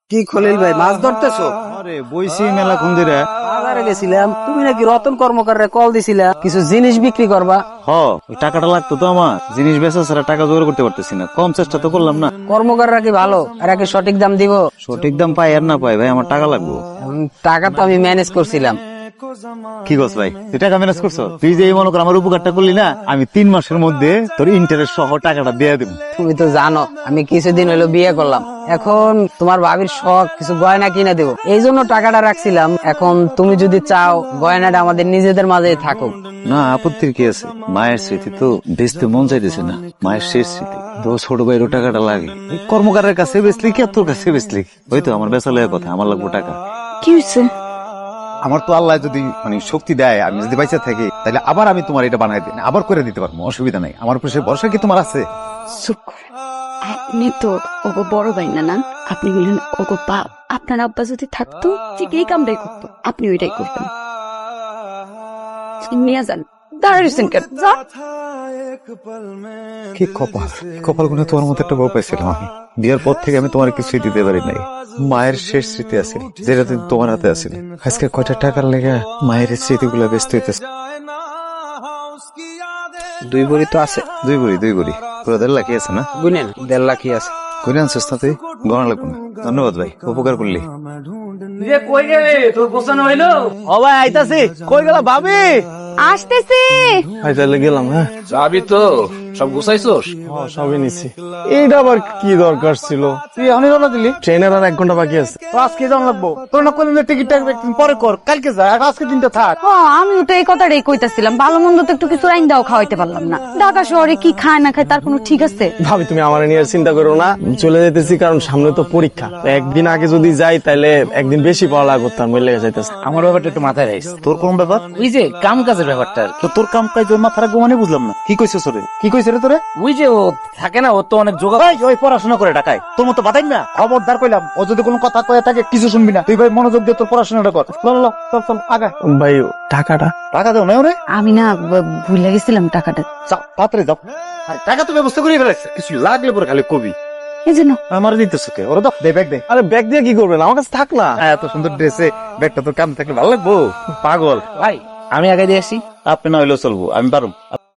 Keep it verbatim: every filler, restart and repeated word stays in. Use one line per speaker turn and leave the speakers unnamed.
কি খলিল ভাই, মাছ ধরতেছো?
আরে বইছি মেলা কোন দিরে
বাজারে গেছিলাম, তুমি নাকি রতন কর্মকারে কল দিছিলা কিছু জিনিস বিক্রি করবা।
হ ওই টাকাটা লাগতো তো আমার, জিনিস বেচা ছাড়া টাকা জোগাড় করতে পারতেছি না, কম চেষ্টা তো করলাম না।
কর্মকাররা কি ভালো? এরা কি সঠিক দাম দিব?
সঠিক দাম পাই আর না পাই ভাই, আমার টাকা লাগবে।
উম, টাকা তো আমি ম্যানেজ করছিলাম।
কি করছ ভাই, তুই টাকা ম্যানেজ করছো? তুই যে এই মনে কর আমার উপকারটা করলি না, আমি তিন মাসের মধ্যে তোর ইন্টারেস্ট সহ টাকাটা দিয়ে দেবো।
তুমি তো জানো আমি কিছুদিন হলো বিয়ে করলাম, এখন তোমার ভাবির শখ কিছু গয়না কিনে দেবো, এই জন্য টাকাটা রাখছিলাম। এখন তুমি যদি চাও গয়নাটা আমাদের নিজেদের মাঝেই থাকুক।
না আপত্তির কি আছে, মায়ের স্মৃতি তো বেচতে মন চাইতেছে না, মায়ের শেষ স্মৃতি তো, ছোট ভাইয়েরও টাকাটা লাগে। এই কর্মকারের কাছে বেচলি কি আর তোর কাছে বেচলি, ওই তো আমার বেচা লয়ের কথা, আমার লাগবে টাকা।
কি হয়েছে?
আমার তো আল্লাহ যদি মানে শক্তি দেয়, আমি যদি বাইচা থাকি, তাহলে আবার আমি তোমার এটা বানাই দিই, আবার করে দিতে পারবো, অসুবিধা নাই। আমার উপর সে ভরসা কি তোমার আছে?
চুপ কর। আপনি তো ওগো বড় ভাই না না, আপনি বললেন ওগো বাপ। আপনার আব্বা যদি থাকতো ঠিক এই কামটাই করতো, আপনি ওইটাই করতেন। নিয়ে যান, দাঁড়িয়েছেন কেন? যান।
কি কপাল, কপাল গুনে তোমার মতো একটা বউ পাইছিলাম আমি। বিয়ের পর থেকে আমি তোমার কিছুই দিতে পারি নাই। মায়ের শেষ স্মৃতি আছে যেটা তুমি তোমার হাতে আছিল। আজকে কয়টা টাকার লেগে মায়ের স্মৃতিগুলো ব্যস্ত হইতেছে।
দুই ভরি তো আছে।
দুই বুড়ি দুই বুড়ি পুরো দেড় লাখই আছে না?
বুঝলেন, দেড় লাখই আছে।
করে আনছিস না তুই? গণা লাগবো না। ধন্যবাদ ভাই, উপকার করলি।
কই গেলে তোর গোছানো হইলো?
ও ভাই আইতাছি। কই গেলা ভাবি?
আসতেছি।
ভাই তাহলে গেলাম। হ্যাঁ
যাবি তো? সব গুছাইছস?
সবই নিছি। এইটা আবার কি দরকার ছিল? তুই এখনই রওনা দিলি? ট্রেনের আর এক ঘন্টা বাকি আছে। তো আজকে যাওয়া লাগবো। তোর না কোনদিন টিকিটটা একদিন পরে কর, কালকে যা, আর আজকে দিনটা থাক।
ও আমিও তো এই কথাটাই কইতাছিলাম, ভালো মন্দ তো একটু কিছু রাইন দাও খাওয়াইতে পারলাম না। ঢাকা শহরে কি খায় না খায় তার কোনো ঠিক আছে?
ভাবি তুমি আমার নিয়ে চিন্তা করো না, চলে যেতেছি কারণ সামনে তো পরীক্ষা। একদিন আগে যদি যাই তাহলে একদিন বেশি পড়ালেখা করতাম, বলে লেগে যাইতেছে।
আমার ব্যাপারটা একটু মাথায় রাখিস।
তোর কোন ব্যাপার?
ওই যে কাম কাজের ব্যাপারটা।
তো তোর কাম কাজ ওর মাথার গোমানে বুঝলাম না, কি কইছিস তোরে? কি কইছিস রে তোরে?
ওই যে ও থাকে না, ও তো অনেক যোগা।
ভাই ওই পড়াশোনা করে টাকায় তোর মতো বাতাই না।
খবরদার কইলাম, ও যদি কোনো কথা কয়ে থাকে কিছু শুনবি না। তুই ভাই মনোযোগ দিয়ে তোর পড়াশোনাটা কর। ল, ল, ল, চল চল আগা।
ভাই টাকাটা
টাকা দেও না ওরে।
আমি না ব- ভুলে গেছিলাম টাকাটা।
যাও তাড়াতাড়ি যাও। টাকা তো ব্যবস্থা করে ফেলেছে, কিছু লাগলে পরে খালি কবি।
এই জন্য
আমার দিতেছ কে? ওরে দাও।
দে ব্যাগ দে।
আরে ব্যাগ দিয়ে কি করবেন, আমার কাছে থাক না।
হ্যাঁ, এত সুন্দর ড্রেসে ব্যাগটা তোর কাম থাকলে ভালো লাগবো।
পাগল।
ভাই আমি আগে দিয়ে আসি।
আপনি না হইলেও চলবো, আমি পারুম।